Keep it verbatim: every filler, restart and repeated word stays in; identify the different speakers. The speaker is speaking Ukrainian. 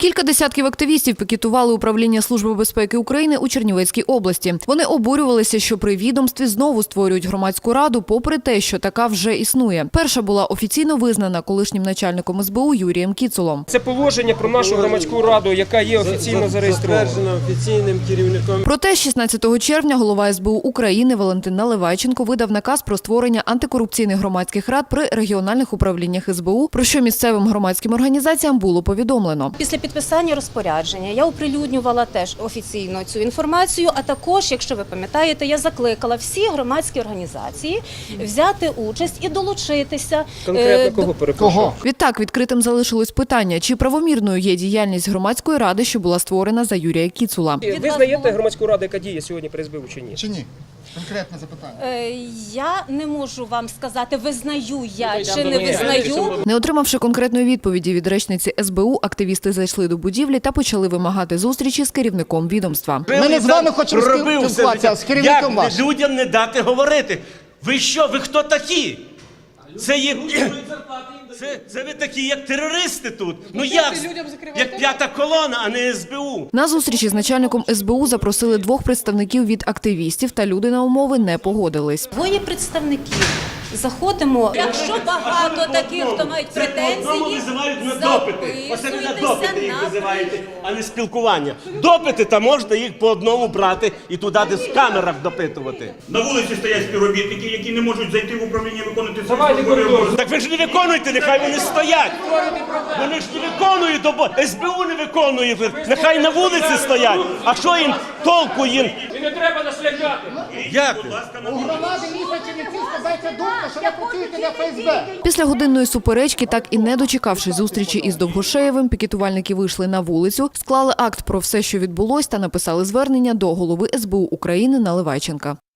Speaker 1: Кілька десятків активістів пікетували управління Служби безпеки України у Чернівецькій області. Вони обурювалися, що при відомстві знову створюють громадську раду, попри те, що така вже існує. Перша була офіційно визнана колишнім начальником ес бе у Юрієм Кіцулом.
Speaker 2: Це положення про нашу громадську раду, яка є офіційно зареєстрована.
Speaker 3: офіційним керівником.
Speaker 1: Проте шістнадцятого червня голова ес бе у України Валентин Наливайченко видав наказ про створення антикорупційних громадських рад при регіональних управліннях ес бе у, про що місцевим громадським організаціям було повідомлено.
Speaker 4: Після підписання розпорядження я оприлюднювала теж офіційно цю інформацію, а також, якщо ви пам'ятаєте, я закликала всі громадські організації взяти участь і долучитися.
Speaker 2: Конкретно кого перепрошую?
Speaker 1: Відтак відкритим залишилось питання, чи правомірною є діяльність громадської ради, що була створена за Юрія Кіцула.
Speaker 2: Ви знаєте громадську раду, яка діє сьогодні при ес бе у чи ні?
Speaker 5: Чи ні? Конкретне запитання.
Speaker 4: Я не можу вам сказати, визнаю я
Speaker 2: Ну,
Speaker 4: чи не визнаю.
Speaker 1: Не отримавши конкретної відповіді від речниці ес бе у, активісти зайшли до будівлі та почали вимагати зустрічі з керівником відомства.
Speaker 5: Ми не з вами хочемо спілкуватися, а з керівником
Speaker 6: Як
Speaker 5: вашим.
Speaker 6: людям не дати говорити? Ви що, ви хто такі? Це є... Це, це ви такі, як терористи тут. Ну як? Як п'ята колона, а не ес бе у.
Speaker 1: На зустрічі з начальником ес бе у запросили двох представників від активістів, та люди на умови не погодились.
Speaker 4: Двоє представників. Заходимо. Якщо багато таких, хто мають
Speaker 6: Одному
Speaker 4: претензії,
Speaker 6: визивають на допити. Оце ви на
Speaker 4: записуйтеся
Speaker 6: допити їх
Speaker 4: на
Speaker 6: визиваєте, а не спілкування. Допити, та можна їх по одному брати і туди десь в камерах допитувати.
Speaker 7: На вулиці стоять співробітники, які не можуть зайти в управління виконати свої
Speaker 2: Давайте
Speaker 7: службові
Speaker 2: коридор.
Speaker 7: обов'язки.
Speaker 6: Так ви ж не виконуєте, нехай вони стоять. Вони ж не виконують, бо ес бе у не виконує, нехай на вулиці стоять. А що їм толку їм?
Speaker 2: І не треба нас лякати.
Speaker 6: Як?
Speaker 5: У громади міста Чернівців складається думка, що ви працюєте для еф ес бе.
Speaker 1: Після годинної суперечки, так і не дочекавшись зустрічі із Довгошеєвим, пікетувальники вийшли на вулицю, склали акт про все, що відбулось, та написали звернення до голови ес бе у України Наливайченка.